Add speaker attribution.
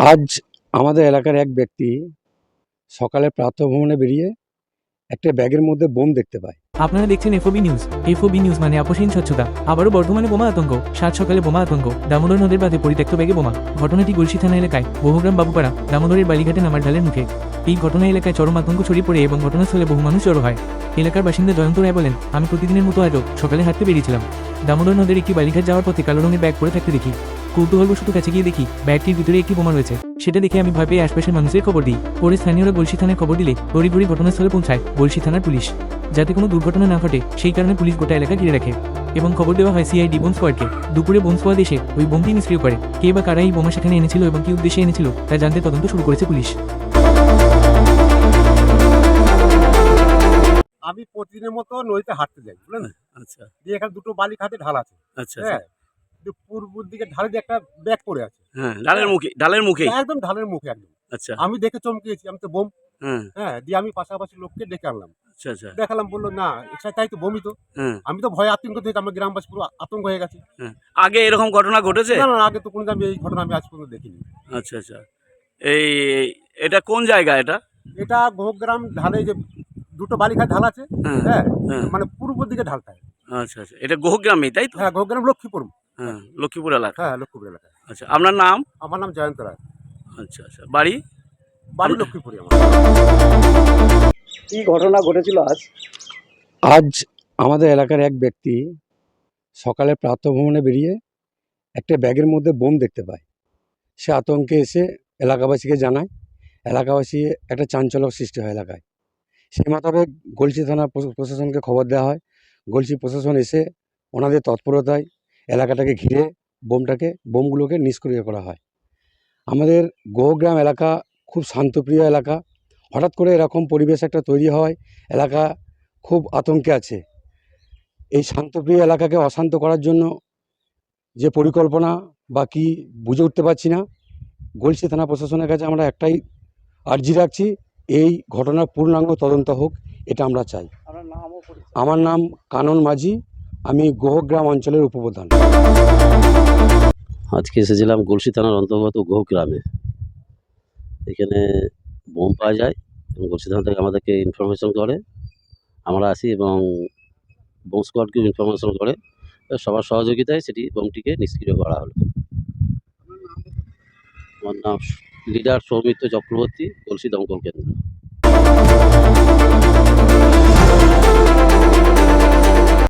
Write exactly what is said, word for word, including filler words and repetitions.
Speaker 1: আজ আমাদের এলাকার এক ব্যক্তি সকালে প্রাতঃভ্রমণে বেরিয়ে একটা ব্যাগের মধ্যে বোম দেখতে পায়।
Speaker 2: আপনারা দেখছেন এফওবি নিউজ। এফওবি নিউজ মানে আপোষহীন স্বচ্ছতা। আবারও বর্ধমানে বোমা আতঙ্ক। সাত সকালে বোমা আতঙ্ক, দামোদর নদের বাঁধে পরিত্যক্ত ব্যাগে বোমা। ঘটনাটি গলসি থানা এলাকায় বহুগ্রাম বাবুপাড়া দামোদরের বালিঘাটে নামার ঢালের মুখে। এই ঘটনা এলাকায় চরম আতঙ্ক ছড়িয়ে পড়ে এবং ঘটনাস্থলে বহু মানুষ জড়ো হয়। এলাকার বাসিন্দা জয়ন্ত রায় বলেন, আমি প্রতিদিনের মতো আজও সকালে হাঁটতে বেরিয়েছিলাম। দামোদর নদের একটি বালিঘাট যাওয়ার পথে কালো রঙের ব্যাগ পরে থাকতে দেখি। কৌতূহলবশত কাছে গিয়ে দেখি ব্যাগটির ভিতরে একটি বোমা রয়েছে। সেটা দেখে আমি ভয় পেয়ে আশপাশের মানুষের খবর দিই। পরে স্থানীয়রা গলসি থানায় খবর দিলে তড়িঘড়ি ঘটনাস্থলে পৌঁছায় গলসি থানার পুলিশ। যাতে কোনো দুর্ঘটনা না ঘটে সেই কারণে পুলিশ গোটা এলাকা ঘিরে রাখে এবং খবর দেওয়া হয় সিআইডি বোম স্কোয়াডকে। দুপুরে বোম স্কোয়াড এসে ওই বোমটি নিষ্ক্রিয় করে। কে বা কারা এই বোমা সেখানে এনেছিল এবং কি উদ্দেশ্যে এনেছিল তা জানতে তদন্ত শুরু করেছে পুলিশ।
Speaker 3: আমি প্রতিদিনের মতো নদীতে হাঁটতে যাই, বুঝলেন।
Speaker 4: আচ্ছা
Speaker 3: দিয়ে এখানে দুটো বালি খাতে ঢাল আছে।
Speaker 4: আচ্ছা
Speaker 3: হ্যাঁ, দিয়ে পূর্ব দিকে ঢালে দিয়ে একটা ব্যাগ পড়ে আছে।
Speaker 4: হ্যাঁ, ঢালের মুখে ঢালের মুখে
Speaker 3: একদম ঢালের মুখে একদম।
Speaker 4: আচ্ছা
Speaker 3: আমি দেখে চমকেছি, আমি তো বোম।
Speaker 4: হ্যাঁ
Speaker 3: হ্যাঁ, দিয়ে আমি পাশাপাশি লোককে ডেকে আনলাম।
Speaker 4: আচ্ছা আচ্ছা
Speaker 3: দেখালাম, বললো না এটা তাই তো বমি তো।
Speaker 4: হ্যাঁ
Speaker 3: আমি তো ভয়ে আতঙ্ক থেকে আমার গ্রামবাসী পুরো আতঙ্ক হয়ে গেছে।
Speaker 4: হ্যাঁ আগে এরকম ঘটনা ঘটেছে?
Speaker 3: না না, আগে তো কোনো আমি এই ঘটনা আমি আজ পর্যন্ত দেখিনি।
Speaker 4: আচ্ছা আচ্ছা এই এটা কোন জায়গা এটা?
Speaker 3: এটা গোগ্রাম ঢালে যে দুটো বালিঘাট ঢাল আছে।
Speaker 4: হ্যাঁ
Speaker 3: হ্যাঁ,
Speaker 4: হ্যাঁ
Speaker 3: মানে পূর্ব দিকে ঢালটায়।
Speaker 4: আচ্ছা আচ্ছা এটা গোহগ্রামে তাই তো?
Speaker 3: হ্যাঁ, গোগ্রাম লক্ষ্মীপুর।
Speaker 4: হ্যাঁ লক্ষ্মীপুর এলাকা।
Speaker 3: হ্যাঁ, লক্ষ্মীপুর এলাকায়।
Speaker 4: আচ্ছা আপনার নাম?
Speaker 3: আমার নাম জয়ন্ত রায়।
Speaker 4: আচ্ছা আচ্ছা বাড়ি?
Speaker 3: বাড়ি
Speaker 4: আমরা-
Speaker 3: লক্ষ্মীপুরে আমার।
Speaker 5: কি ঘটনা ঘটেছিল আজ?
Speaker 1: আজ আমাদের এলাকার এক ব্যক্তি সকালে প্রাতঃভ্রমণে বেরিয়ে একটা ব্যাগের মধ্যে বোম দেখতে পায়। সে আতঙ্কে এসে এলাকাবাসীকে জানায়। এলাকাবাসী একটা চাঞ্চল্য সৃষ্টি হয় এলাকায়। সেই মোতাবেক গলসি থানা প্রশ- প্রশাসনকে খবর দেওয়া হয়। গলসি প্রশাসন এসে ওনাদের তৎপরতায় এলাকাটাকে ঘিরে বোমটাকে বোমগুলোকে নিষ্ক্রিয় করা হয়। আমাদের গোগ্রাম এলাকা খুব শান্তপ্রিয় এলাকা। হঠাৎ করে এরকম পরিবেশ একটা তৈরি হয়, এলাকা খুব আতঙ্কে আছে। এই শান্তপ্রিয় এলাকাকে অশান্ত করার জন্য যে পরিকল্পনা বা কী বুঝে উঠতে পারছি না। গলসি থানা প্রশাসনের কাছে আমরা একটাই আর্জি রাখছি, এই ঘটনার পূর্ণাঙ্গ তদন্ত হোক, এটা আমরা চাই।
Speaker 5: আপনার নাম ও পরিচয়?
Speaker 1: আমার নাম কানন মাঝি, আমি গোহগ্রাম অঞ্চলের উপপ্রধান।
Speaker 6: আজকে এসেছিলাম গলসি থানার অন্তর্গত গোহগ্রামে। এখানে বোম পাওয়া যায় এবং গলসি থানা থেকে আমাদেরকে ইনফরমেশন করে, আমরা আসি এবং বোম স্কোয়াডকেও ইনফরমেশন করে। সবার সহযোগিতায় সেটি বোমটিকে নিষ্ক্রিয় করা হলো। আমার নাম লিডার সৌমিত্র চক্রবর্তী, গলসি দমকল কেন্দ্র।